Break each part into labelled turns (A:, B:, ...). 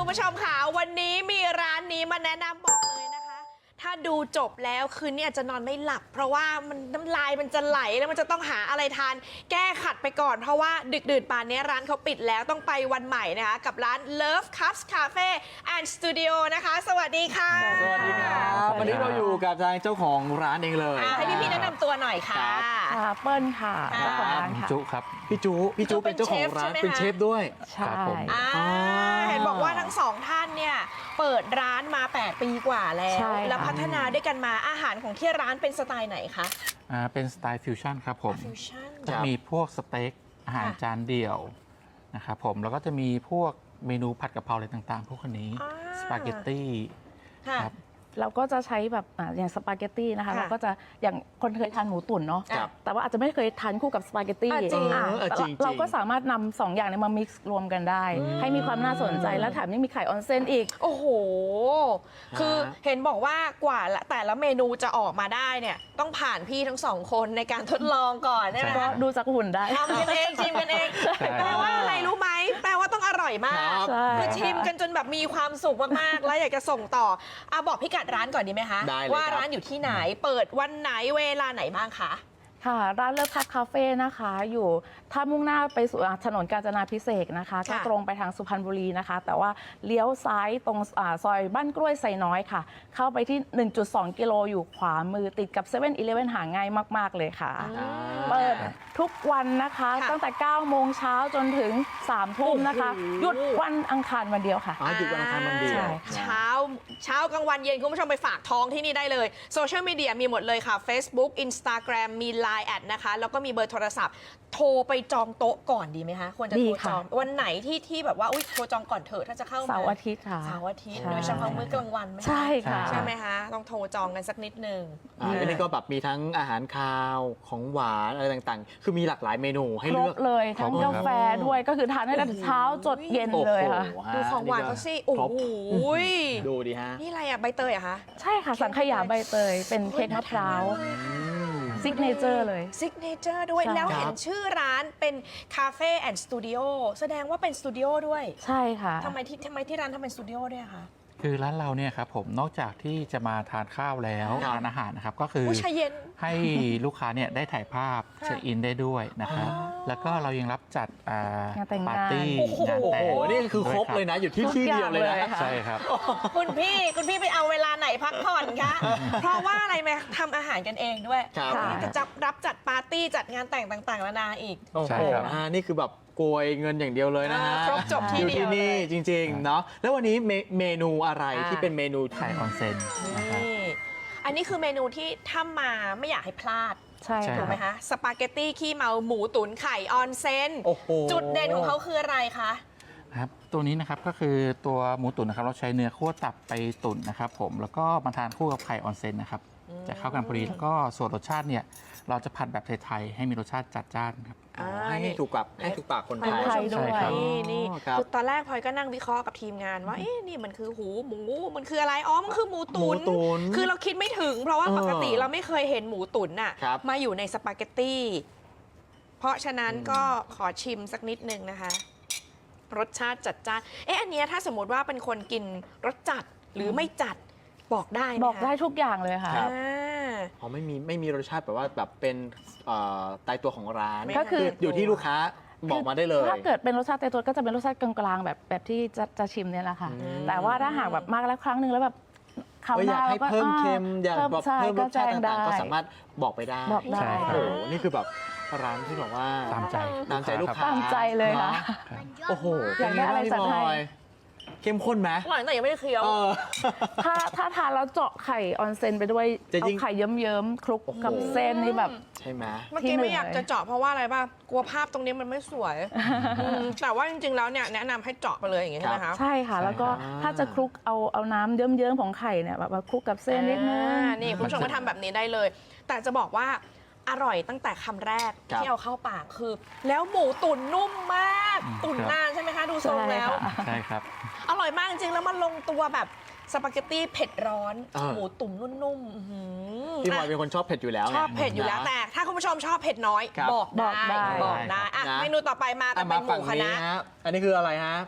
A: ผู้ชมค่ะวันนี้มีร้านนี้มาแนะนำบอกเลยนะคะ ถ้าดูจบแล้วคืนนี้อาจจะนอนไม่หลับ เพราะว่ามันน้ำลายมันจะไหลแล้วมันจะต้องหาอะไรทานแก้ขัดไปก่อนเพราะว่าดึกดื่นป่านนี้ร้านเขาปิดแล้วต้องไปวันใหม่นะคะกับร้าน Love Cups Cafe and Studio นะคะ สวัสดีค่ะ
B: สวัสดีครับวันนี้เราอยู่กับทางเจ้าของร้านเองเลย
A: ให้พี่ๆแนะนำตัวหน่อยค่ะ
C: ค่ะเปิ้ลค่ะ
A: ค่ะ
C: เจ้าของร้านค่ะ
B: จุครับพี่จุเป็นเจ้าของร้าน
A: เป็
B: เป็น น
A: เช
B: เช
A: ฟ
B: ฟ
A: ใช่ไหมคะ
B: ด้วย
C: ใช่
B: ครับผม
A: เห็นบอกว่าทั้งสองท่านเนี่ยเปิดร้านมา 8 ปีกว่าแล้ว
C: ใช่
A: แล้วพัฒนาด้วยกันมาอาหารของที่ร้านเป็นสไตล์ไหนคะ
B: เป็นสไตล์ฟิวชั่นครับผม
A: ฟิวชั่น
B: จะมีพวกสเต็กอาหาร
A: ค่ะ
B: จานเดี่ยวนะครับผมแล้วก็จะมีพวกเมนูผัดกะเพราอะไรต่างๆ พวกนี้สปาเกตตี้
A: ค่ะ
B: ครับ
C: เราก็จะใช้แบบอย่างสปาเกตตี้นะคะ
A: ค่ะ
C: เราก็จะอย่างคนเคยทานหมูตุ๋นเนาะ
A: ครับ
C: แต่ว่าอาจจะไม่เคยทานคู่กับสปาเกตตี้
A: จริง
B: จริง
C: เราก็สามารถนำสองอย่างเนี้มา mix รวมกันได้ ให้มีความน่าสนใจและแถมยังมีไข่ออนเซนอีก
A: โอ้โห คือเห็นบอกว่ากว่าแต่ละเมนูจะออกมาได้เนี่ยต้องผ่านพี่ทั้งสองคนในการทดลองก่อนใช่ไหม
C: ก็
A: คะ
C: ดูจากหุ่นได้
A: ทำกันเองชิมกันเอง
B: ใช่
A: แปลว่าอะไรรู้ไหมแปลว่าต้องอร่อยมาก
C: ใช่
A: คือชิมกันจนแบบมีความสุขมากๆ แล้วอยากจะส่งต่อบอกพิกัดร้านก่อนดีไหมคะ
B: ได้เลย
A: ว่า
B: ครับ
A: ร้านอยู่ที่ไหนเปิดวันไหนเวลาไหนบ้างคะ
C: ค่ะ ร้านเลิฟคัทคาเฟ่นะคะ อยู่ถ้ามุ่งหน้าไปสู่ถนนกาญจนาภิเษกนะคะ ก็ตรงไปทางสุพรรณบุรีนะคะ แต่ว่าเลี้ยวซ้ายตรงซอยบ้านกล้วยไซน้อยค่ะ เข้าไปที่ 1.2 กิโลอยู่ขวามือติดกับ7 e เ e ่ e หาง่ายมาก ๆ เลยค่ะ เปิดทุกวันนะคะ
A: ค่ะ
C: ตั้งแต่ 9 โมงเช้าจนถึง 3 ทุ่มนะคะ
A: โอ้โห
C: หยุดวันอังคารวันเดียวค่ะ
B: หยุดวันอังคารวันเดียว
C: ใช่
A: เช้ากลางวันเย็นคุณผู้ชมไปฝากท้องที่นี่ได้เลยโซเชียลมีเดียมีหมดเลยค่ะ Facebook Instagram มี Line แอดนะคะแล้วก็มีเบอร์โทรศัพท์ โทรไปจองโต๊ะก่อนดีไหมคะควรจะ
C: ดี
A: โทร
C: ค่ะ
A: จองวันไหนที่แบบว่าอุ๊ยโทรจองก่อนเถอะถ้าจะเข้ามา
C: เสาร์อาทิตย์ค่ะ
A: เสาร์อาทิตย์
C: ใช่
A: โดยเฉพาะมื้อกลางวันไหมคะ
C: ใช่ค่ะ
A: ใช่ไหมคะต้องโทรจองกันสักนิดนึง
B: อันนี้ก็แบบมีทั้งอาหารคาวของหวานอะไรต่างๆ คือมีหลากหลายเมนูให้
C: คร
B: เลื
C: บอก เลย ทั้ง
B: ครบ
C: กาแฟด้วยก็คือทานได้ตั้งแต่เช้าจดเย็นเลยค่ะ
B: โอ้โห
A: ดูของหวานเขาสิโอ้
B: ครบ
A: โห
B: ดูดิฮะ
A: นี่อะไรอะใบเตยเหรอะคะ
C: ใช่ค่ะ สังขยาใบเตย เป็นเค้กมะพร้าวซิกเนเจอร์เลย
A: ซิกเนเจอร์ด้วย
C: ใช่
A: แล้ว
B: ครับ
A: เห็นชื่อร้านเป็นคาเฟ่แอนด์สตูดิโอแสดงว่าเป็นสตูดิโอด้วย
C: ใช่ค่ะ
A: ทำไมที่ร้านทำเป็นสตูดิโอด้วยอะคะ
B: คือร้านเราเนี่ยครับผมนอกจากที่จะมาทานข้าวแล้ว
A: ครับ
B: ทานอาหารนะครับก็คือ
A: ผู้ชายเย็น
B: ให้ลูกค้าเนี่ยได้ถ่ายภาพ
A: ค่ะ
B: เช็คอินได้ด้วยนะครับ
A: อ๋อ
B: แล้วก็เรายังรับจัด
C: งานแต่งงาน
B: ปาร์ตี้
A: โอ้โห
B: งานแต่ง
D: โอ้โหนี่คือครบเลยนะ อยู่ที่ที่เดียวเลยนะ
C: ทุกอย่างเลยค่ะ
B: ใช่ครับ
A: คุณพี่ไปเอาเวลาไหนพักผ่อนคะ เพราะว่าอะไรไหมทำอาหารกันเองด้วย
D: ครับ
A: วันนี้จะรับจัดปาร์ตี้จัดงานแต่งต่างๆนานาอีก
D: โอ้
B: ใช่
D: โห
B: ครับ
D: นี่คือแบบโกยเงินอย่างเดียวเลยนะฮะ
A: ครบจบที่
D: อยู่
A: เดียว
D: ที่นี่
A: เลย
D: จริงๆเนาะแล้ววันนี้เมนูอะไรที่เป็นเมนู
B: ไข่ออนเซ็นนะครับ
A: นี่อันนี้คือเมนูที่ถ้ามาไม่อยากให้พลาด
C: ใช่
B: ใช่
A: ถูกไหม
C: ค่ะ
A: คะสปาเกตตี้ขี้เมาหมูตุ๋นไข่ออนเซน
D: โอ้โห
A: จุดเด่นของเขาคืออะไรคะ
B: ครับตัวนี้นะครับก็คือตัวหมูตุ๋นนะครับเราใช้เนื้อคั่วตับไปตุ๋นนะครับผมแล้วก็มาทานคู่กับไข่ออนเซ็นนะครับจะเข้ากันพอดีแล้วก็ส่วนรสชาติเนี่ยเราจะผัดแบบไทยๆให้มีรสชาติจัดจ้านครับ
D: ให้ถูกปากคนไท
C: คน
D: ย
C: ไทยด้วย
B: ใช่ครับ
A: นี่
D: ครับ
A: คือตอนแรกพลอยก็นั่งวิเคราะห์กับทีมงานว่าเอ๊ะนี่มันคือหูหมูมันคืออะไรอ๋อมันคือหมูตุ๋น
D: หมูตุ๋น
A: คือเราคิดไม่ถึง เพราะว่า
D: เออ
A: ปกติเราไม่เคยเห็นหมูตุ๋นน่ะ
D: ครับ
A: มาอยู่ในสปาเกตตี้เพราะฉะนั้นก็ขอชิมสักนิดนึงนะคะ รสชาติจัดจ้านอันเนี้ยถ้าสมมติว่าเป็นคนกินรสจัดหรือไม่จัดบอกได้หมคะ
C: บอกได้ทุกอย่างเลยค่ะ
D: ครับ
A: อ่า
D: อ๋อไม่มีรสชาติแบบว่าแบบเป็นตายตัวของร้าน
C: ก็คือ
D: อยู่ที่ลูกค้าบอกมาได้เลย
C: ถ้าเกิดเป็นรสชาติเตตัวก็จะเป็นรสชาติกลางๆแบบที่จะชิมเนี่ยแหละค่ะ แต่ว่าถ้าหากแบบมากแล้วครั้งหนึ่งแล้วแบบคำ
D: อยากให้เพิ่มเค็มอยากแบบ
C: ใช่
D: เพิ่มรสชาติ
C: แจ้งได้
D: ต่างๆก็สามารถบอกไปได้
C: บอกได้
B: ใช่ค
D: โอ้
B: รับ
D: โหนี่คือแบบร้านที่แบบว่า
B: ตามใจ
D: ตามใจลูกค้า
C: ตามใจเลยค่ะ
D: เนโอ้โห
C: อยากได้อะไร
D: เป็นงบ้ง
C: จัดให้
D: พี่บอยเข้มข้นไหม
A: อร่อยแต่ยังไม่ได้เคี้ยว
D: เออ
C: ถ้าทานแล้วเจาะไข่ออนเซนไปด้วย
D: จะ
C: เอา
D: ยิ่ง
C: ไข่เยิ้มๆคลุกกับเส้นนี่แบบ
D: ใช่ไหม
A: เมื่อกี้ไม่อยากจะเจาะเพราะว่าอะไรป่ะกลัวภาพตรงนี้มันไม่สวยแต่ว่าจริงๆแล้วเนี่ยแนะนำให้เจาะไปเลยอย่างงี้ใช่ไหมคะ
C: ใช่ค่ะ แล้วก็
D: อ่า
C: ถ้าจะคลุกเอาน้ำเยิ้มๆของไข่เนี่ยแบบมาคลุกกับเส้นนิดนึง
A: นี่คุณผู้ชมก็ทำแบบนี้ได้เลย แต่จะบอกว่าอร่อยตั้งแต่คำแรก
D: ครับ
A: ที่เอาเข้าปากคือ แล้วหมูตุ๋นนุ่มมาก
B: อืม
A: ตุ๋น
B: ครับ
A: นานใช่ไหมคะดูทรงแล้ว
C: ใช่ค่ะ
B: ใช่ครับ
A: อร่อยมากจริงๆแล้วมันลงตัวแบบสปาเกตตี้เผ็ดร้อน
D: อ่า
A: หมูตุ๋นนุ่มๆอื้อหือ
D: พี่บอยเป็นคนชอบเผ็ดอยู่แล้วไง
A: ชอบเผ็ดอยู่แล้ว
D: นะ
A: แต่ถ้าคุณผู้ชมชอบเผ็ดน้อย
D: ครับ
A: บอกได้
C: บอกได้
A: บอกได้อ่ะ
D: นะ
A: เมนูต่อไปมาแต่เป็นหมู
D: ฝั่ง
A: คณะ
D: นี้ฮะอันนี้คืออะไรฮะ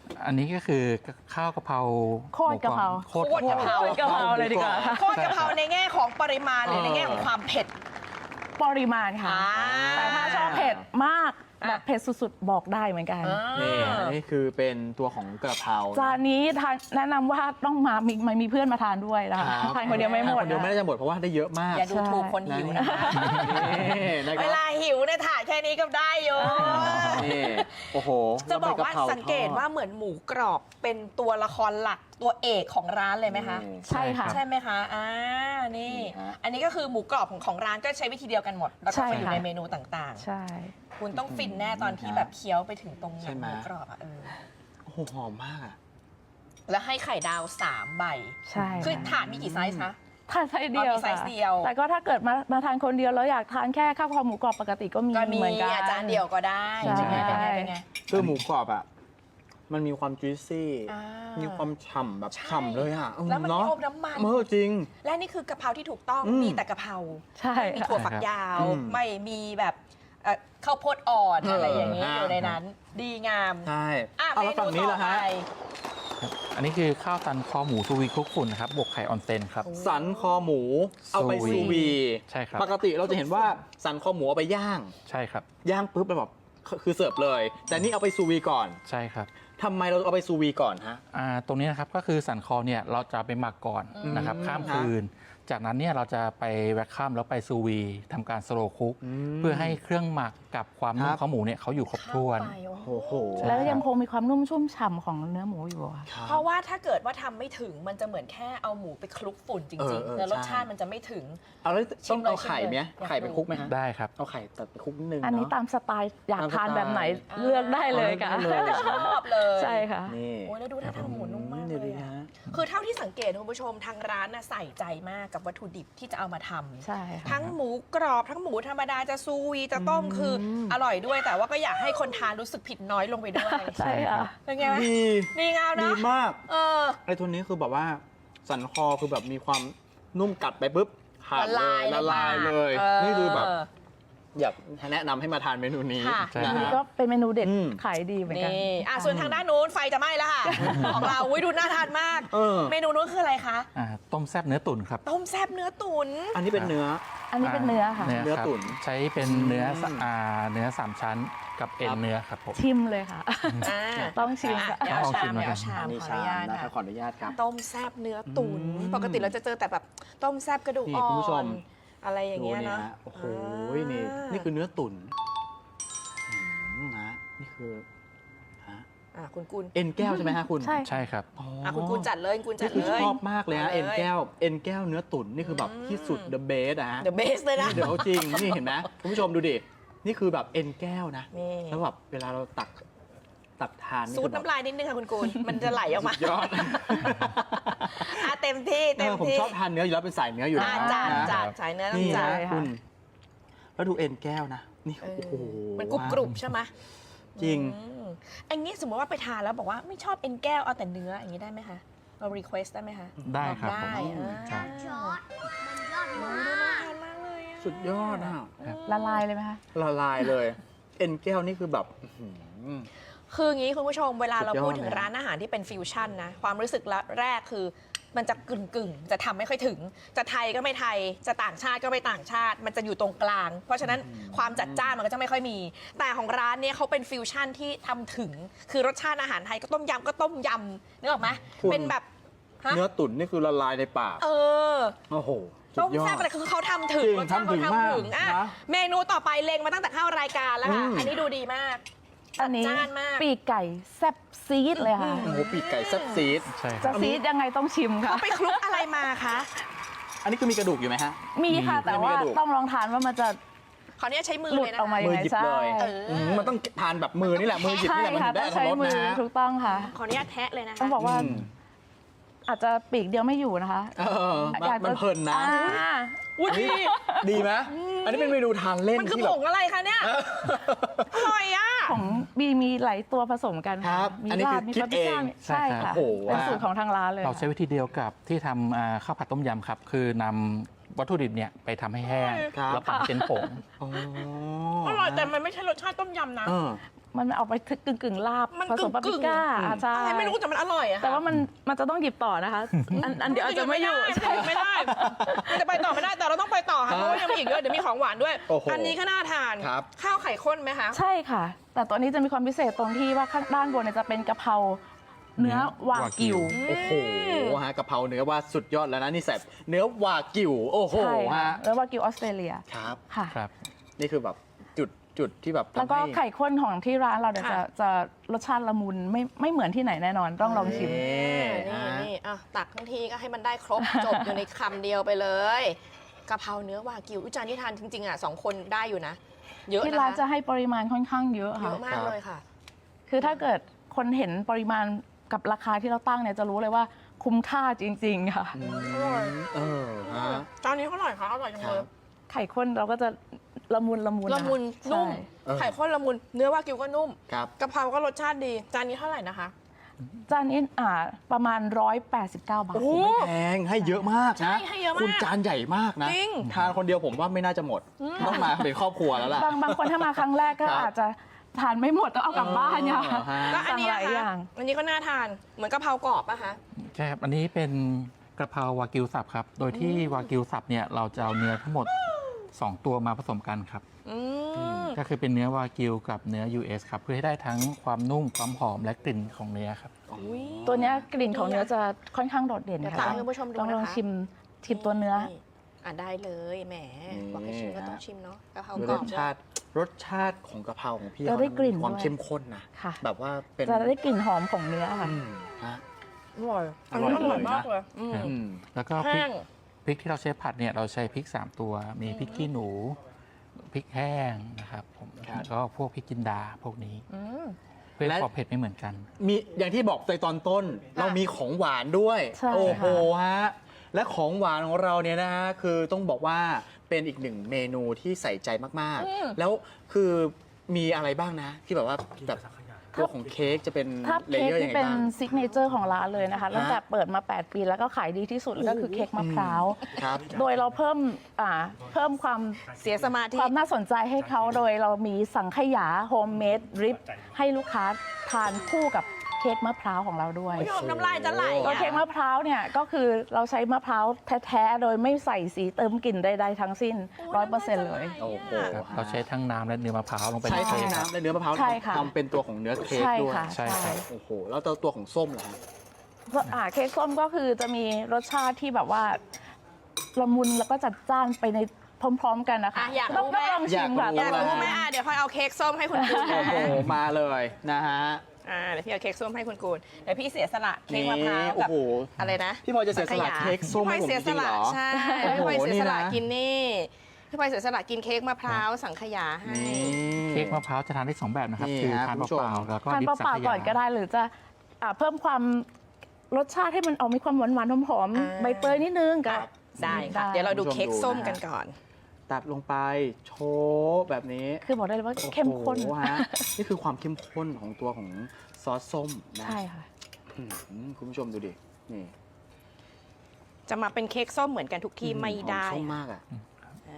B: อันนี้ก็คือข้าวกะเพรา
C: โคตรกะเพรา
B: โคตรกะเพรา
C: โคตรกะเพราเลยดีกว่า
A: โคตรกะเพราในแง่ของปริมาณหรือในแง่ของความเผ็ด
C: ปริมาณค่ะ
A: อ่า
C: แต่ถ้าชอบเผ็ดมากแบบเผ็ดสุดๆบอกได้เหมือนกัน
D: นี่อันนี้คือเป็นตัวของกระเพรา
C: จานนี้ทานแนะนำว่าต้องมีเพื่อนมาทานด้วยนะคะ
D: ครับ
C: ทานคนเดียวไม่หมด
D: ทานคนเดียวไม่ได้จะหมดเพราะว่าได้เยอะมาก
A: อย่าดูถูกคนหิวนะคะ
D: นี่นะค
A: เว
D: รับ
A: ลาหิวเนี่ยถ่ายแค่นี้ก็ได้อยู่
D: นี่โอ้โห
A: จะบอกว่า
D: แล้วใบะพร
A: สังเกตว่าเหมือนหมูกรอบเป็นตัวละครหลักตัวเอกของร้านเลยไหมคะ
C: ใช่ค่ะ
A: ใช่ไหมคะนี่
D: นี่ฮะ
A: อันนี้ก็คือหมูกรอบของร้านก็ใช้วิธีเดียวกันหมด แล้วก็
C: ใช่
A: ไปอยู่
C: ค่ะ
A: ในเมนูต่าง
C: ใช่
A: ๆ คุณต้องฟินแน่ตอนที่แบบเคี้ยวไปถึงตรงหนังหมูกรอบอ่ะ
D: โอ้โหหอมมากอะ
A: แล้วให้ไข่ดาว3 ใบ
C: ใช่
A: คือถาดมีกี่ไซส์คะ
C: ทานไซส์เดียว
A: มีไซส์เดียว
C: แต่ก็ถ้าเกิดมาทานคนเดียวแล้วอยากทานแค่ข้าวคอหมูกรอบปกติก็มี
A: ก็มี
C: เหมือนกัน
A: อาจารย์เดียวก็ได้
C: ใช่
A: เป็นไง
D: คือหมูกรอบอ่ะมันมีความจุยซี่
A: อ่า
D: มีความฉ่ำแบบ
A: ใช่
D: ฉ่ำเลยอ่ะ
A: แล้วมัน
D: เนาะ
A: ไม่อมน้ำมัน
D: จริง
A: และนี่คือกะเพราที่ถูกต้อง
D: อืม
A: มีแต่กะเพรา
C: ใช่
A: ไม่มีถั่วฝักยาว
D: อืม
A: ไม่มีแบบข้าวโพดอ่อน
D: เอออ
A: อะไรอย่างนี้
D: อ่า
A: อยู่ในนั้น ดีงาม
D: ใช่
A: อ่ะ
D: เอา
A: เม
D: แล้ว
A: นู
D: ฝั่งนี้
A: ต่อ
D: ล่ะ
A: ไป
D: ฮะ
B: อันนี้คือข้าวตันคอหมูซูวีคลุกฝุ่นนะครับบวกไข่ออนเซนครับ
D: สันคอหมูเอาไป
B: ซูวี
D: ซูวี
B: ใช่ครับ
D: ปกติเราจะเห็นว่าสันคอหมูเอาไปย่าง
B: ใช่ครับ
D: ย่างปุ๊บแล้วแบบคือเสิร์ฟเลย แต่นี่เอาไปซูวีก่อน
B: ใช่ครับ
D: ทำไมเราเอาไปซูวีก่อนฮะ
B: ตรงนี้นะครับก็คือสันคอเนี่ยเราจะไปหมักก่อนนะครับ
D: อืม
B: ข้ามคืน จากนั้นเนี่ยเราจะไปแวคข้ามแล้วไปซูวีทำการสโลว์คุกเพื่อให้เครื่องหมักกับความนุ่
D: ค
B: ม
D: รับ
B: ของหมูเนี่ยเขาอยู่ครบถ้วน
A: เข้าไปโอ้โห
D: โอ้โห
C: แล้วยังคงมีความนุ่มชุ่มฉ่ำของเนื้อหมูอยู่อะ
A: เพราะว่าถ้าเกิดว่าทำไม่ถึงมันจะเหมือนแค่เอาหมูไปคลุกฝุ่นจริงๆแล้วรสชาติมันจะไม่ถึง
D: เอาแล้ว
A: ชิ
D: ต้อง
A: มเลย
D: เอาไข่ไหม
A: ชิมเลย
D: ไข่ไปคลุกไหมฮะ
B: ได้ครับ
D: เอาไข่ตัดไปคลุกนิดนึง
C: อันนี้
D: เนาะ
C: ตามสไตล์อยาก
D: ตามสไตล์
C: ทานแบบไหนเลือกได้เลยค่ะ
D: เอาเลือกได้เลย
A: ชอบเลย
C: ใช่ค่ะ
D: นี่
A: โอ้ยแล้วดูท่าทางหมูนุ่มมาก
D: ดี๋ว
A: เล
D: ดู
A: ย
D: นะ
A: อะ
D: ฮะ
A: คือเท่าที่สังเกตคุณผู้ชมทางร้านน่ะใส่ใจมากกับวัตถุดิบที่จะเอามาทำ
C: ใช่ค่ะ
A: ทั้งหมูกรอบทั้งหมูธรรมดาจะซูวีจะต้มคืออร่อยด้วย แต่ว่าก็อยากให้คนทานรู้สึกผิดน้อยลงไปด้วย
C: ใช่ค่ะ
A: เป็นไงไหม
D: ดี
A: ดีงาม
D: ดี
A: เนาะ
D: มาก
A: เออ
D: ไอ้ตัวนี้คือแบบว่าสันคอคือแบบมีความนุ่มกัดไปปุ๊บขาด
A: ละ
D: เล
A: ลาย
D: ยละลายเลย นี่คือแบบอยากแนะนำให้มาทานเมนูนี้
A: ค่ะ
B: ใช่
C: อัน
D: นะ
C: นี้
D: ฮะ
C: ก็เป็นเมนูเด็ด
D: อืม
C: ขายดีเหมือนกัน
A: นี่ส่วนทางด้านนู้นไฟจะไหม้แล้วค่ะ ของเราอุ้ยดูน่าทานมาก
D: เออ
A: เมนูนู้นคืออะไรคะ
B: ต้มแซ่บเนื้อตุ๋นครับ
A: ต้มแซ่บเนื้อตุ๋น
D: อันนี้เป็นเนื้อ
C: อันนี้เป็นเนื้อค่ะ
B: เนื้อ
D: ครับ
B: ตุ๋นใช้เป็นเนื้อเนื้อ3 ชั้นกับเอ็น
D: ครับ
B: เนื้อครับผม
C: ชิมเลยค่ะ
A: อ่า
C: ต้องชิม
A: เดี๋ยวเอาชาม
B: ต้องชิม
A: เดี๋ยวเอาชาม
D: นี่
A: ขออ
D: ชา
A: นุญาต
D: นะครั
A: ค่ะ
D: บขออนุญาตครับ
A: ต้มแซ่บเนื้อตุ๋น
D: อืม
A: ปกติเราจะเจอแต่แบบต้มแซ่บกระดูก
D: นี่
A: อ่อ
D: คุณผู้ชม
A: นอะไรอย่างเงี้ย
D: ดู
A: เนาะ
D: ฮโอ้โหนี่คือเนื้อตุ๋นนะนี่คือฮะ
A: คุณกุล
D: เอ็นแก้วใช่ไหมฮะคุณ
C: ใช่
B: ใช่ครับ
A: คุณกุลจัดเลยคุณกุลจั
D: นี่
A: ด
D: คือ
A: เลย
D: ชอบมากเลยฮะ
A: อา
D: เอ็นแก้วเนื้อตุ๋นนี่คือแบบที่สุด the best อะฮะ
A: The best เลยนะ
D: เดี๋ยวจริง นี่เห็นไหมคุณผู้ชมดูดิ นี่คือแบบเอ็นแก้วนะ
A: นี่
D: แล้วแบบเวลาเราตักทาน
A: ซูดน้ำลายนิดนึงค่ะคุณกุลมันจะไหลออกมา
D: ยอด
A: เต็มที่เต็ม
D: ผม
A: ที่
D: ชอบทานเนื้ออยู่แล้วเป็นสายเนื้ออยู่แล้ว
A: จัด
D: นะ
A: จัดสายเนื้อต้อ
D: นี่
A: งจั
D: นะ
A: ด
D: คุณ แล้วดูเอ็นแก้วนะ นี่
A: เออ
D: โอ้โห
A: มันกรุบกรุบใช่ไหม
D: จริง
A: อันนี้สมมติว่าไปทานแล้วบอกว่าไม่ชอบเอ็นแก้วเอาแต่เนื้ออย่างนี้ได้ไหมคะเรารีเควสได้ไหมคะ
B: ได้ครับ
A: ได้
B: ผม
A: อ่า
B: ครับ
A: โอ้ยน่าทานมากเลยอะ
D: สุดยอดอ่ะ
C: ละลายเลยไหมคะ
D: ละลายเลย เอ็นแก้วนี่คือแบบอื้อหือ
A: คืออย่างนี้คุณผู้ชมเวลาเรา
D: สุดยอด
A: พูดถึง
D: นะ
A: ร้านอาหารที่เป็นฟิวชั่นนะความรู้สึกแรกคือมันจะกึ่งจะทำไม่ค่อยถึง จะไทยก็ไม่ไทยจะต่างชาติก็ไม่ต่างชาติ มันจะอยู่ตรงกลาง เพราะฉะนั้นความจัดจ้านมันก็จะไม่ค่อยมี แต่ของร้านเนี้ยเขาเป็นฟิวชั่นที่ทำถึง คือรสชาติอาหารไทยก็ต้มยำก็ต้มยำนึกออกไหม
D: คุณ
A: เป็นแบบฮะ
D: เนื้อตุ๋นนี่คือละลายในปาก
A: เออ
D: โอ้โหสุ
A: ต้
D: ด
A: ม
D: ยอ
A: แซ่
D: ด
A: บอะไรคือเขาทำถึง
D: จริง
A: รสชาติเขา
D: ทำถึงมาก
A: ทำถึงอ่ะ
D: นะ
A: เมนูต่อไปเล็งมาตั้งแต่เข้ารายการแล้วค่ะ
D: อืม
A: อันนี้ดูดีมาก
C: อันนี้
A: จัดจ้านมาก
C: ปีกไก่แซ่บซีดเลยค่ะ
D: โอ้โหปีกไก่แซ่บซีด
B: ใช่ค
C: จะ
B: รับ
C: ซีดยังไงต้องชิมค่ะ
A: เขาไปคลุกอะไรมาคะ
D: อันนี้คือมีกระดูกอยู่ไหมฮะ
C: มีค่ะ
B: มี
C: แต่ว่า
D: มีกระดูก
C: ต้องลองทานว่ามันจะ
A: ขออนุญาตใช้มือ
C: หลุด
A: เลยนะ
C: ออกมา
A: คะ
C: ยัง
D: มือ
C: ไง
D: หยิบ
C: ใช่
D: เลย
A: เออ
D: มันต้องทานแบบมือนี่แหละ มือหยิบ
C: ใช่
D: นี่แหละมัน
C: ค่ะ
D: ถึงได้
C: ต้อ
D: อง รรถรส
C: ใช้มือ
D: นะ
C: ถูกต้องค่ะ
A: ขออนุญาตแทะเลยนะคะ
C: ต้องบอกว่า
D: อืม
C: อาจจะปีกเดียวไม่อยู่นะคะ
D: เออ
C: อยากจะ
D: มันเพลินนะ
C: อ่า
A: อุ้ยดี
D: ดีไหมอันนี้เป็นเมนูทานเล่น
A: มันคือ
D: ที่
A: ผ
D: แบบ
A: งอะไรคะเนี่ย อร่อยอ่ะ
C: ของมีหลายตัวผสมกัน
D: ครับ
C: มี
D: อันนี้
C: ลา
D: คื
C: บ
D: อ
C: มี
D: คิด
C: ปาปริก้า
D: เอง
C: ใช่ค่ะ
D: โอ้โห
C: เป็นสูตรของทางร้านเลย
B: เราใช้วิธีเดียวกับที่ทำข้าวผัดต้มยำครับ คือนำวัตถุดิบเนี่ยไปทำให้แห้ง
D: ครับ
B: แล้วปั่นเป็นผง
D: อ๋อ
A: อร่อยแต่มันไม่ใช่รสชาติต้มยำนะ
D: เออ
C: มันเอาไปกึ่งลาบ
A: มัน
C: ผสมปาปริก้าใช่
A: อะไรไม่รู้แต่มันอร่อยอะค่ะ
C: แต่ว่ามันจะต้องหยิบต่อนะคะ อันเดี๋ยวอาจจะไม่อยู่
A: ไม่ได้มันจะไปต่อไม่ได้แต่เราต้องไปต่อค่ะเพราะว่ายังมีอีกเยอะเดี๋ยวมีของหวานด้วย
D: โอ้โห
A: อันนี้ก็น่าทาน
D: ครับ
A: ข้าวไข่ข้นไหมคะ
C: ใช่ค่ะ แต่ตัวนี้จะมีความพิเศษตรงที่ว่าข้างด้านบนเนี่ยจะเป็นกะเพราเนื้อวากิว
D: โอ้โหฮะกะเพราเนื้อว่าสุดยอดแล้วนะนี่แสบเนื้อวากิวโอ้โห
C: ใช่ค่ะ
D: ฮะ
C: เนื้อวากิวออสเตรเลีย
D: ครับ
C: ค่ะ
B: ครับ
D: นี่คือแบบจุดที่แบบ
C: แล้วก็
D: ทำให้
C: ไข่ข้นของที่ร้านเราเนี่ย
A: ค่ะ
C: จะรสชาติละมุนไม่เหมือนที่ไหนแน่นอนต้องลองชิม
A: นี่อ่ะตักทั้งทีก็ให้มันได้ครบ จบอยู่ในคำเดียวไปเลยกะเพราเนื้อวากิวจานที่ทานจริงๆอ่ะ2 คนได้อยู่นะ เยอะ
C: ที่
A: นะ
C: ร้านจะ
A: คะ
C: ให้ปริมาณค่อนข้างเยอะ
A: เย
C: ค่ะ
A: อะมากเลยค่ะ
C: คือถ้าเกิดคนเห็นปริมาณกับราคาที่เราตั้งเนี่ยจะรู้เลยว่าคุ้มค่าจริง ๆ ค่ะ
D: เออฮะ
A: จานนี้อร่อยค่ะอร่อยจังเลย
C: ไข่ข้นเราก็จะละมุน
A: ละมุน
C: นะคะ
A: นุ่ม
C: ใช่
D: เออ
A: ไข่ข้นละมุน เนื้อวากิวก็นุ่ม
D: ครับ
A: กะเพราก็รสชาติดี จานนี้เท่าไหร่นะคะ
C: จานนี้ประมาณ 189 บาท
A: โอ้โห
D: ไม่แพงให้เยอะมากนะ
A: ให้เยอะมาก
D: คุณจานใหญ่มากนะ
A: จริง
D: ทานคนเดียวผมว่าไม่น่าจะหมด ต้องมาเป็นครอบครัวแล้วล่ะ
C: บางคนถ้ามาครั้งแรกก็
D: ครับ
C: อาจจะทานไม่หมดต้องเอากลับบ้านเนี่ย
D: เออฮะ
A: ก็อันนี้
C: สั่งหลาย
A: ค่ะ
C: อย่าง
A: อันนี้ก็น่าทาน เหมือนกะเพรากรอบป่ะคะ
B: ใช่ครับ อันนี้เป็นกระเพราวากิวสับครับ โดยที่วากิวสับเนี่ยเราจะเอาเนื้อทั้งหมด 2 ตัวมาผสมกันครับ
A: อืม
B: ก็คือเป็นเนื้อวากิวกับเนื้อ US ครับ เพื่อให้ได้ทั้งความนุ่มความหอมและกลิ่นของเนื้อครับ
A: อุ๊ย
C: ตัวเนี้ยกลิ่นของเนื้อจะค่อนข้างโดดเด่น
A: เดี๋ยว
C: ค่ะ
A: ตักให้คุณผู้ชมดู
C: ลอง
A: นะคะ
C: ชิมตัวเนื้อ
A: ได้เลยแหม บอกให้ชิมก็ต้องชิมเนาะกะเพรา
D: ดู
A: กร
D: ร
A: อบ
D: สชาติรสชาติของกะเพราของพี่
C: เราได้กลิ่น
D: มีความ
C: ด้วย
D: เข้มข้นนะ
C: ค่ะ
D: แบบว่าเป็น
C: จะได้กลิ่นหอมของเนื้อค่ะ
D: อืมฮะ
A: อร่อย
D: อร่อย
A: นนี้อร่อย
D: เลยนะ
A: มากเลยอืม
B: ครับ
D: อืม
B: แล้วก็พริ
A: แห้
B: ก
A: ง
B: พริกที่เราใช้ผัดเนี่ยเราใช้พริก 3 ตัว มีพริกขี้หนู พริกแห้งนะครับผม
D: ครับ
B: แล้วก็พวกพริกจินดาพวกนี้
A: อืม
B: เพื่อให้ความเผ็ดไม่เหมือนกัน
D: มีอย่างที่บอกในตอนต้น เรามีของหวานด้วย
C: ใช่
D: โอ้โห
C: ค่ะ
D: ฮะและของหวานของเราเนี่ยนะฮะคือต้องบอกว่าเป็นอีกหนึ่งเมนูที่ใส่ใจมาก
A: อืม
D: ๆ แล้วคือมีอะไรบ้างนะ ที่แบบว่าแบบตัวของเค้กจะเป็น
C: ถ้า
D: เล
C: เค้ก
D: เยอร์ยั
C: ที่
D: งไง
C: เป็น
D: บ้าง
C: ซิกเนเจอร์ของร้านเลยนะคะตั้งแต่เปิดมา 8 ปีแล้วก็ขายดีที่สุดก็คือเค้กมะพร้าว
D: ครับ
C: โดยเราเพิ่มความ
A: เสียสมาธิ
C: ความน่าสนใจให้เขาโดยเรามีสังขยาโฮมเมดดริปให้ลูกค้าทานคู่กับเค้กมะพร้าวของเราด้วย
A: ผู้ชมน้ำลายจะไหล
C: ตัว
A: อะ
C: เค้กมะพร้าวเนี่ยก็คือเราใช้มะพร้าวแท้ๆโดยไม่ใส่สีเติมกลิ่นใดๆทั้งสิ้น 100%เลย
D: โอ้โห
B: ครับเราใช้ทั้งน้ำและเนื้อมะพร้าวลงไป
D: ใช้
B: ใน
D: ทั้
B: เค้
D: ง
B: กครับ
D: น้ำและเนื้อมะพร้าว
C: ใช่ค่ะ
D: ทำเป็นตัวของเนื้อเค้ก
C: ใช่
D: ด้วย
C: ค่ะ
B: ใช่ครับ
D: โอ้โหแล้วตัวของส้มเหรอฮะ
C: เค้กส้มก็คือจะมีรสชาติที่แบบว่าละมุนแล้วก็จัดจ้านไปในพร้อมๆกันนะคะ
A: อ่ะอยากรู้
C: ต้อง
A: ไหม
C: ลองชิมค่ะ
D: อยากรู้
A: อยากรู้ไหมเดี๋ยวพลอยเอาเค้กส้มให้คุณกูน
D: โอ้โหมาเลยนะฮะ
A: เดี๋ยวพี่เอาเค้กส้มให้คุณกูนเดี๋ยวพี่เสียสละเค้กมะพร้าว
D: โอ้
A: กับ
D: โห
A: อะไรนะ
D: พี่พลอยจะเสียสละเค้กส้ม
A: พี่พล
D: ให้
A: อย
D: ผม
A: เสีย
D: จ
A: ส
D: ริงๆ
A: ละ
D: เหรอ
A: ใช่
D: โอ้โห
A: พี่พลอยเสียสละ
D: นี่นะ
A: กินนี่พี่พลอยเสียสละกินเค้กมะพร้าวสังขยาให้
D: นี่
B: เค้กมะพร้าวจะทานได้ 2 แบบนะครับ
D: นี่
B: คือ
D: ฮะ
B: ทาน
D: คุณผู้ชม
B: เปล่าๆแล้วก็
C: ทาน
B: ดิบ
C: เป
B: สัง
C: ล่า
B: ข
C: ๆก่อน
B: ยา
C: ก็ได้หรือจะเพิ่มความรสชาติให้มันมีความหวานๆหอม
A: อ่า
C: ๆใบเตยนิดนึงก็
A: ได้ค่ะ เดี๋ยวเราดูเค้กส้มกันก่อน
D: ตัดลงไปโชว์แบบนี้
C: คือบอกได้เลยว่าเข้มข้น
D: โอ้โหฮะนี่คือความเข้มข้นของตัวของซอสส้มนะ
C: ใช่ค่ะ
D: อืมคุณผู้ชมดูดินี่
A: จะมาเป็นเค้กส้มเหมือนกันทุกที่ไม่ได้
D: หอส้มมากอ่ะ
A: อ่า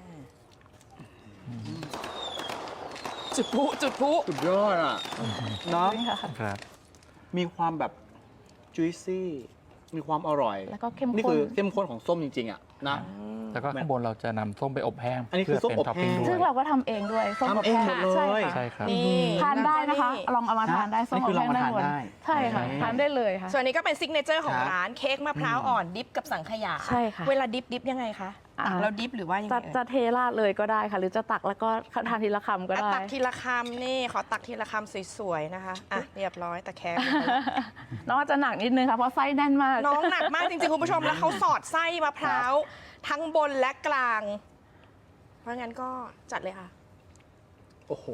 A: จุดพลุจุดพลุ
D: สุดยอดอ่ะเนาะ
B: ครับ
D: มีความแบบจุยซี่มีความอร่อย
C: แล้วก็เข้มข้น
D: นี่คือเข้มข้นของส้มจริงๆอ่ะนะ
B: แล้วก็ข้างบนเราจะนำส้มไปอบแห้ง
D: อันนี้คือ
B: เพื่อเป็น
D: ส้มอบ
B: ท็อปปิ้ง
D: แห้ง
B: ด้
C: ซึ่
B: ว
C: ง
B: ย
C: เราก็ทำเองด้วยส้ม
D: ทำ
C: อบ
D: เอง
C: แห้ง
D: หมดเลย
C: ใช่ค่ะ
B: ใช่ครับ
A: นี่
C: ทานได้นะคะ ลองเอามาทานได้ส้ม
D: นี่
C: อ
D: คื
C: บ
D: อลอ
C: แห้
D: ง
C: ง
D: มา
C: ด้า
D: ทาน
C: นบน
D: ได้
C: ใช่ค่ะ
D: นี่
C: ทานได้เลยค่ะ
A: ส่วนนี้ก็เป็นซิกเนเจอร์ของ
D: ครับ
A: ร้านเค้กมะพร้าวอ่อนดิฟกับสังขยา
C: ใช่ค่ะ
A: เวลาดิฟยังไงคะ
C: อ่า
A: ตักแล้วดิฟหรือว่ายังไง
C: จะเทราดเลยก็ได้ค่ะ หรือจะตักแล้วก็ทานทีละคำก็ได้
A: ตักทีละคำนี่ขอตักทีละคำสวยๆนะคะอ่ะเรียบร้อยตะแคง
C: น้องอาจจะหนักนิดนึงค่ะเพราะไส้แน่นมาก
A: น้องหนักมากจริงๆ คุณผู้ชมแล้วเขาสอดไส้มะพร้าวทั้งบนและกลาง เพราะงั้นก็จัดเลยค่ะ
D: โอ้โห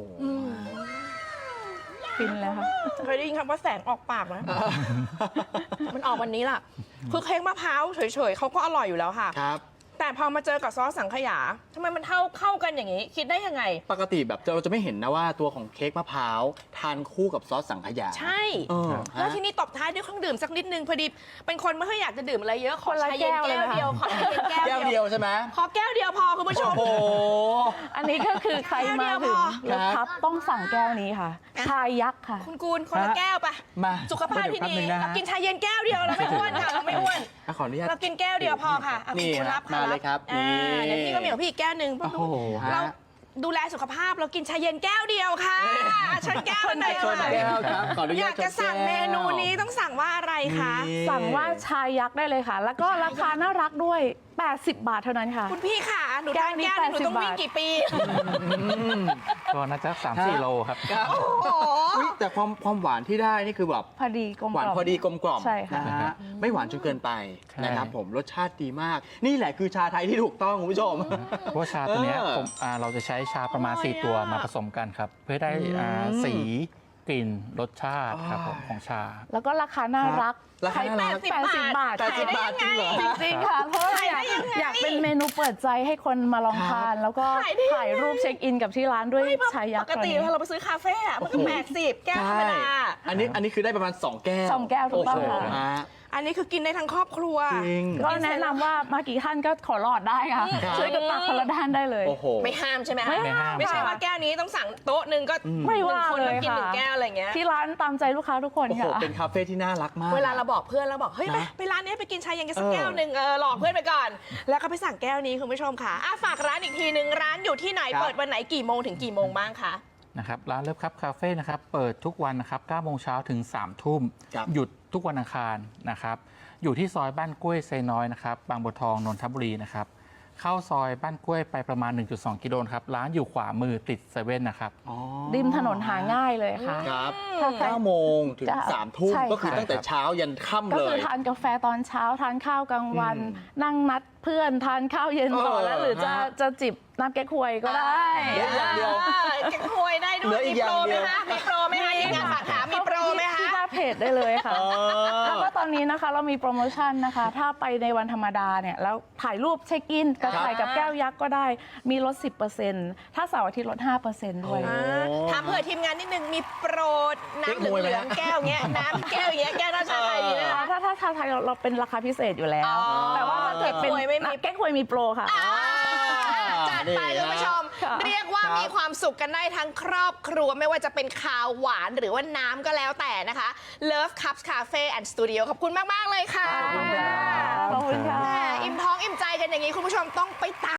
C: ฟินเลยค่ะ
A: เคยได้ยินคำว่าแสงออกปากไหม มันออกวันนี้ล่ะ คือเค้กมะพร้าวเฉยๆเขาก็อร่อยอยู่แล้วค่ะ
D: ครับ
A: แต่พอมาเจอกับซอสสังขยาทำไมมันเข้ากันอย่างนี้ คิดได้ยังไง
D: ปกติแบบเราจะไม่เห็นนะว่าตัวของเค้กมะพร้าวทานคู่กับซอสสังขยา
A: ใช่
D: เออ
A: แล้วที่นี่ตบท้ายด้วยเครื่องดื่มสักนิดนึงพอดีเป็นคนไม่ค่อยอยากจะดื่มอะไรเยอะขอ
C: คนละ
A: ชาเย็น
C: แก้วเลย
A: แก้ว
C: นะคะ
A: เดียวขอชาเย็นแก้
D: แก้
A: ว
D: ว
A: เดี
D: เดี
A: ย
D: ยว วใช่ไหม
A: ขอแก้วเดียวพอคุณผู้ชม
D: โอ้โห
C: อันนี้ก็คือใครมาถึง
D: ครั
C: ร
D: บ
C: ถทับต้องสั่งแก้วนี้ค่ะ ชายยักษ์ค่ะ
A: คุณกูลคนละแก้วปะ
D: มา
A: สุขภาพที่ดี
D: เดี๋ยวแป๊บนึงนะฮะ
A: เรากินชาเย็นแก้วเดียวเราไม่อ้วนค่ะเราไม่อ้วน
D: ขออนุญาต
A: เรากินแก้วเดียวพอค่ะอ่ะ
D: นี่
A: คุณ
D: ฮะ
A: รับ
D: มาเลยครับ
A: อ่า
D: นี่
A: เดี๋ยวพี่ก็มีของพี่อีกแก้วหนึ่ง
D: โอ้โหฮะ
A: เราดูแลสุขภาพเรากินชาเย็นแก้วเดียวค่ะชนแก้วหน่อย
D: ชน
A: ค่ะ
D: แก้วครับขออนุ
A: อ
D: ญาต
A: ยากจะสั่งเมนูนี้ต้องสั่งว่าอะไรคะ
D: นี่
C: สั่งว่าชายยักษ์ได้เลยค่ะ แล้วก็ราคาน่ารักด้วย 80 บาทเท่านั้นค่ะ
A: คุณพี่ค่ะหนู
C: แก้
A: ทา
C: วน นี้
A: แก้วหนึงหนูต้อง
C: 80
A: วิ่งกี่ปี
B: ก็น่าจะ3-4 โลครับ
D: ครับ
A: โอ้โห
D: อุ๊ยแต่ความหวานที่ได้นี่คือแบบ
C: พอดีกลม
D: หวาน
C: กล่อม
D: พอดีกลมกล่อม
C: ใช่ค่ะ
D: นะฮะไม่หวานจนเกินไป
B: ใช่
D: นะครับผมรสชาติดีมาก นี่แหละคือชาไทยที่ถูกต้องคุณผู้ชม
B: เพราะว่าชาตัวเนี้ย
D: เออ
B: เราจะใช้ชาประมาณ
A: อร่อย
B: 4 ตัว
A: อะ
B: มาผสมกันครับ เพื่อให้ได้สีกลิ่นรสชาติครับผมของชา
C: แล้วก็ราคาน่ารัก
D: ราคาน่ารัก
C: 80 บาท
D: 80 บาทจริงเหรอ
C: จริงๆค่ะ เพราะว่าอยากเป็นเมนูเปิดใจให้คนมาลองทาน แล้วก็ถ่ายรูปเช็คอินกับที่ร้านด้วยชายยั
A: ป
C: กษ์
A: กติ
C: ตัวนี้
A: เราไปซื้อคาเฟ่อะมันก็80แก้วธรรมดา
D: อันนี้คือได้ประมาณ 2 แก้ว
C: 2 แก้วถูกต้อง
D: โอ้โห
C: ค่ะ
D: ฮะ
A: อันนี้คือกินได้ทั้งครอบครัว
D: จริง
C: ก็แนะนำว่ามากี่ท่านก็ขอรอดได้ค่ะ
D: ครับ
C: ช่วยกันตักคนละด้านได้เลย
D: โอ้โห
A: ไม่ห้ามใช่ไหมคะ
C: ไม่ห้าม
A: ไม่ใช่ว่าแก้วนี้ต้องสั่งโต๊ะหนึ่งก็
C: ไม่ว่า
A: หนึ่งคน
C: เล
A: ต้อย งกินหนึ่ง
C: ค่ะ
A: แก้วอะไรอย่างเงี้ย
C: ที่ร้านตามใจลูกค้าทุกคน
D: โอ้โห
C: ค่ะ
D: เป็นคาเฟ่ที่น่ารักมาก
A: เวลาเราบอกเพื่อนเราบอกเฮ้ย
D: นะ
A: ไปร้านนี้ไปกินชาเย็นกันสัก
D: เออ
A: แก้วหนึ่งหลอกเพื่อนไปก่อน แล้วก็ไปสั่งแก้วนี้คุณผู้ชมค่ะฝากร้านอีกทีหนึ่งร้านอยู่ที่ไหน
D: ครับ
A: เปิดวันไหนกี่โมงถึงกี่โมงบ้างคะ
B: นะครับร้านเลิฟครับคาเฟ่นะครับเปิดทุกวันนะครับ9 โมงเช้าถึง 3 ทุ่ม
D: ครับ
B: หยุดทุกวันอังคารนะครับอยู่ที่ซอยบ้านกล้วยไซน้อยนะครับบางบัวทองนนทบุรีนะครับเข้าซอยบ้านกล้วยไปประมาณ 1.2 กิโลนะครับร้านอยู่ขวามือติดเซเว่นนะครับ
D: อ๋อ
C: ริมถนนหาง่ายเลยค่ะ
D: ครับ
C: ถ้าใคร
D: 9 โมงถึง
C: จะ
D: 3 ทุ่ม
C: ใช่
D: ก็คือ
C: ค่ะ
D: ตั้งแต่เช้ายันค่ำ
C: ก็
D: เล
C: คือย ทานกาแฟตอนเช้าทานข้าวกลางวัน นั่งนัดเพื่อนทานข้าวเย็นต่อ
D: เออ
C: แล้วหรือจะ
D: ฮะ
C: จะจิบน้ำแก้ควยก็ได้
D: เหลืออย่างเดียว
A: แกงควยได้ด้
D: เหลื
A: วย
D: ออี
A: มี
D: กอ
A: โป
D: ย่าง
A: รไห
D: เดี
A: ม
D: ยว
A: คะมีโปรไหมคะทีมงานฝากถามมีโปรไหมคะ
C: ที่หน้าเพจได้เลยค่ะ
D: อ๋อ
C: แล้วก็ตอนนี้นะคะเรามีโปรโมชั่นนะคะ ถ้าไปในวันธรรมดาเนี่ยแล้วถ่ายรูปเช็คอินกับ
D: ครับ
C: ถ่ายกับแก้วยักษ์ก็ได้มีลด 10%ถ้าเสาร์อาทิตย์ลด 5%ด้วย
D: โอ้
A: ถามเผื่อทีมงานนิดนึงมีโปรน้ำเห
D: เก๊กฮวยไหม
A: ลืองๆแก้วเงี้ยน้ำแก้วเงี้ยแก้วน้ำชาไทยนี่นะคะ
C: ถ้าชาไทยเราเป็นราคาพิเศษอยู่แล้ว
A: อ๋อ
C: แต่ว่าถ้าเกิดเป็น
A: แก้ควยไม่มี
C: แก้ควยมีโปรค่ะ
A: จัดไปคุณผู้ชม
C: ค่ะ
A: เรียกว่า
D: ครับ
A: มีความสุขกันได้ทั้งครอบครัวไม่ว่าจะเป็นคาวหวานหรือว่าน้ำก็แล้วแต่นะคะ Love Cups Cafe and Studio ขอบคุณมาก ๆ เลยค่ะ
C: ขอบคุณค่ะ
A: แหมอิ่มท้องอิ่มใจกันอย่างนี้คุณผู้ชมต้องไปตาม